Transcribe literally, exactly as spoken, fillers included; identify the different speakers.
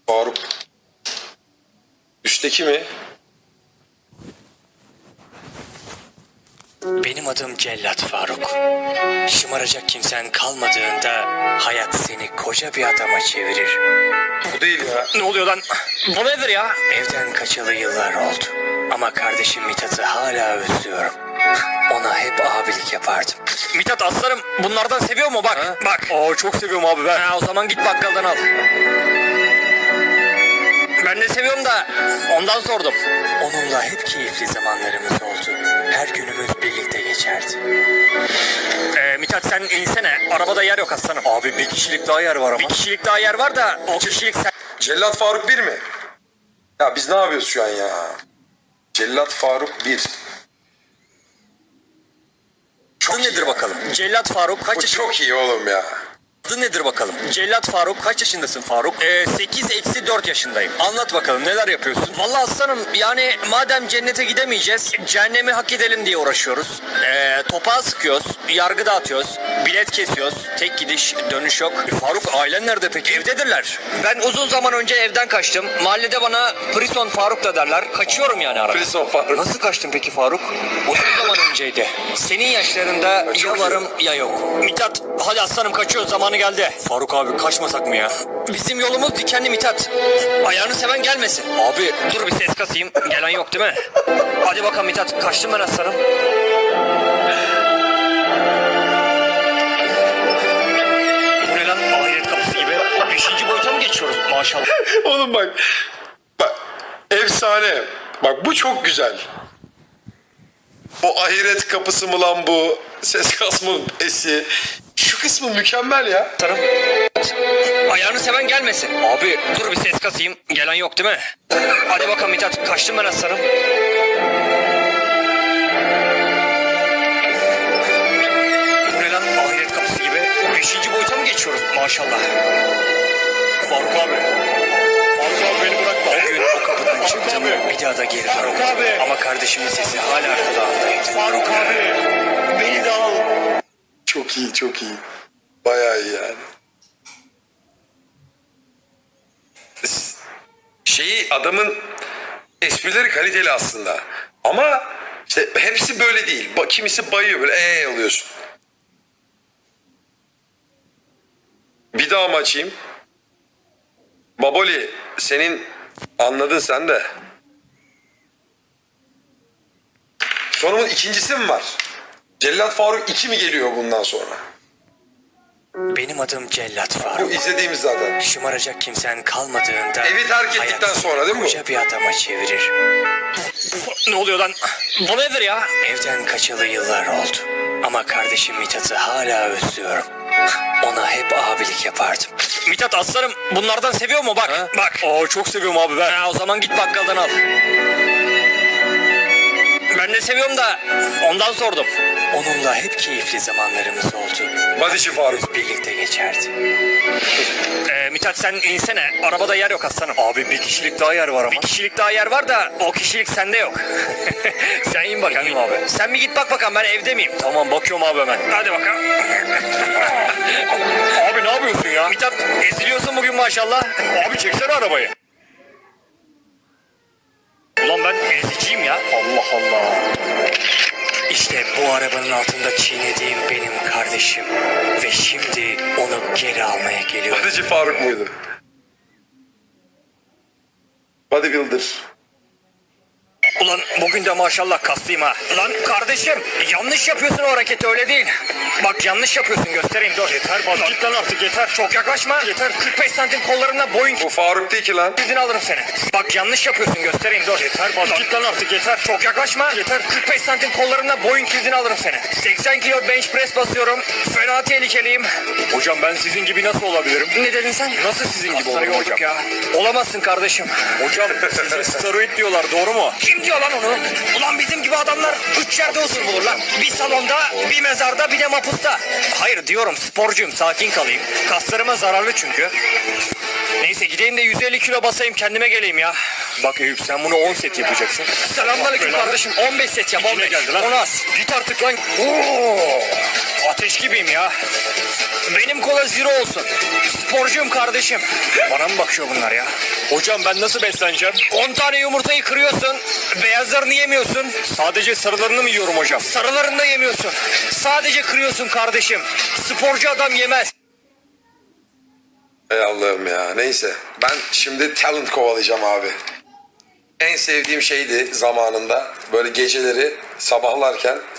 Speaker 1: Faruk. Üstteki mi?
Speaker 2: Benim adım Cellat Faruk. Şımaracak kimsen kalmadığında hayat seni koca bir adama çevirir.
Speaker 1: Bu değil ya.
Speaker 2: Ne oluyor lan? Bu nedir ya? Evden kaçalı yıllar oldu. Ama kardeşim Mithat'ı hala özlüyorum. Ona hep abilik yapardım. Mithat aslanım bunlardan seviyor mu bak?
Speaker 1: Ha?
Speaker 2: Bak.
Speaker 1: Oo, çok seviyorum abi ben.
Speaker 2: Ha, o zaman git bakkaldan al. Ben de seviyorum da ondan sordum. Onunla hep keyifli zamanlarımız oldu. Her günümüz birlikte geçerdi. Ee, Mithat sen insene. Arabada yer yok aslanım.
Speaker 1: Abi bir kişilik daha yer var ama.
Speaker 2: Bir kişilik daha yer var da o kişilik sen...
Speaker 1: Cellat Faruk bir mi? Ya biz ne yapıyoruz şu an ya? Cellat Faruk bir.
Speaker 2: Adı nedir bakalım? Cellat Faruk kaç
Speaker 1: Bu
Speaker 2: yaşında?
Speaker 1: çok iyi oğlum ya.
Speaker 2: Adı nedir bakalım? Cellat Faruk kaç yaşındasın Faruk? Ee, sekiz eksi dört yaşındayım. Anlat bakalım neler yapıyorsun? Vallahi aslanım yani madem cennete gidemeyeceğiz cehennemi hak edelim diye uğraşıyoruz. Ee, topağı sıkıyoruz, yargı dağıtıyoruz, bilet kesiyoruz, tek gidiş dönüş yok. E, Faruk ailen nerede peki? Evdedirler. Ben uzun zaman önce evden kaçtım. Mahallede bana Prison Faruk da derler. Kaçıyorum yani arada.
Speaker 1: Prison Faruk.
Speaker 2: Nasıl kaçtın peki Faruk? Uzun zaman önceydi. Senin yaşlarında ya varım ya yok. Mithat hadi aslanım kaçıyoruz zamanı geldi. Faruk abi kaçmasak mı ya? Bizim yolumuz dikenli Mithat. Ayağını seven gelmesin. Abi dur bir ses kasayım. Gelen yok değil mi? Hadi bakalım Mithat kaçtım ben aslanım. Bu ne lan ahiret kapısı gibi? Beşinci boyuta mı geçiyoruz maşallah?
Speaker 1: Oğlum bak. Bak. Efsane. Bak bu çok güzel. O ahiret kapısı mı lan bu? Ses kasma esi. Şu kısmı mükemmel ya.
Speaker 2: Aslanım. Ayağını seven gelmesin. Abi dur bir ses kasayım. Gelen yok değil mi? Hadi bakalım Mithat kaçtım ben aslanım. Bu ne lan ahiret kapısı gibi? Beşinci boyuta mı geçiyoruz maşallah? Faruk abi. Faruk abi beni bırakma. O gün o kapıdan çıktım bir daha da geri dönmedim. Ama kardeşimin sesi hala kulağımdaydı. Faruk abi beni de al.
Speaker 1: Çok iyi, çok iyi. Bayağı iyi yani. Şeyi adamın esprileri kaliteli aslında. Ama işte hepsi böyle değil. Ba- Kimisi bayıyor böyle eee oluyorsun. Bir daha mı açayım? Baboli senin anladın sen de. Sonumun ikincisi mi var? Cellat Faruk iki mi geliyor bundan sonra?
Speaker 2: Benim adım Cellat
Speaker 1: Bu
Speaker 2: Faruk.
Speaker 1: izlediğimiz zaten.
Speaker 2: Şımaracak kimsen kalmadığında
Speaker 1: Evi terk ettikten
Speaker 2: hayat
Speaker 1: sonra değil mi bu?
Speaker 2: koca bir adama çevirir. Ne oluyor lan? Bu nedir ya? Evden kaçalı yıllar oldu. Ama kardeşim Mithat'ı hala özlüyorum. Ona hep abilik yapardım. Mithat aslanım bunlardan seviyor mu bak?
Speaker 1: Ha?
Speaker 2: Bak.
Speaker 1: Oo, çok seviyorum abi ben.
Speaker 2: Ha, o zaman git bakkaldan al. Ben de seviyorum da ondan sordum. Onunla hep keyifli zamanlarımız oldu.
Speaker 1: Badişi Faruk.
Speaker 2: Birlikte geçerdi. Ee, Mithat sen insene. Arabada yer yok aslanım.
Speaker 1: Abi bir kişilik daha yer var ama.
Speaker 2: Bir kişilik daha yer var da o kişilik sende yok. Sen in bakayım.
Speaker 1: Kendim abi.
Speaker 2: Sen bir git bak bakalım ben evde miyim?
Speaker 1: Tamam bakıyorum abi hemen.
Speaker 2: Hadi bakalım.
Speaker 1: Abi ne yapıyorsun ya?
Speaker 2: Mithat eziliyorsun bugün maşallah.
Speaker 1: Abi çeksene arabayı.
Speaker 2: Ulan ben eziciyim ya.
Speaker 1: Allah Allah.
Speaker 2: İşte bu arabanın altında çiğnediğim benim kardeşim. Ve şimdi onu geri almaya geliyorum.
Speaker 1: Badişi Faruk muydu? Bodybuilder.
Speaker 2: Ulan bugün de maşallah kaslıyım ha. Lan kardeşim yanlış yapıyorsun o hareketi öyle değil. Bak yanlış yapıyorsun göstereyim dur. Yeter bana. Git lan artık yeter. Çok yaklaşma. Yeter. kırk beş santim kollarımla boyun
Speaker 1: Bu Faruk değil ki lan.
Speaker 2: kilidini alırım seni. Bak yanlış yapıyorsun göstereyim dur. Yeter bana. Git lan artık yeter. Çok yaklaşma. Yeter. kırk beş santim kollarımla boyun kilidini alırım seni. seksen kilo bench press basıyorum. Fena tehlikeliyim.
Speaker 1: Hocam ben sizin gibi nasıl olabilirim?
Speaker 2: Ne dedin sen?
Speaker 1: Nasıl sizin gibi
Speaker 2: Kasları
Speaker 1: olurum
Speaker 2: yorduk
Speaker 1: hocam?
Speaker 2: ya. Olamazsın kardeşim.
Speaker 1: Hocam size steroid diyorlar doğru mu?
Speaker 2: Kim diyor lan onu? Ulan bizim gibi adamlar üç yerde huzur bulur lan. Bir salonda, bir mezarda, bir de mapusta. Hayır diyorum, sporcuyum, sakin kalayım. Kaslarıma zararlı çünkü. Neyse gideyim de yüz elli kilo basayım, kendime geleyim ya. Bak Eyüp, sen bunu on set yapacaksın. Selamünaleyküm kardeşim. on beş set yap. on beş. Geldi lan. on az. Git artık lan. Oo, ateş gibiyim ya. Benim kola zero olsun. Sporcuyum kardeşim. Bana mı bakıyor bunlar ya? Hocam ben nasıl besleneceğim? on tane yumurtayı kırıyorsun. Beyazlarını yemiyorsun. Sadece sarılarını mı yiyorum hocam? Sarılarını da yemiyorsun. Sadece kırıyorsun kardeşim. Sporcu adam yemez.
Speaker 1: Ey Allah'ım ya. Neyse. Ben şimdi talent kovalayacağım abi. En sevdiğim şeydi zamanında. Böyle geceleri sabahlarken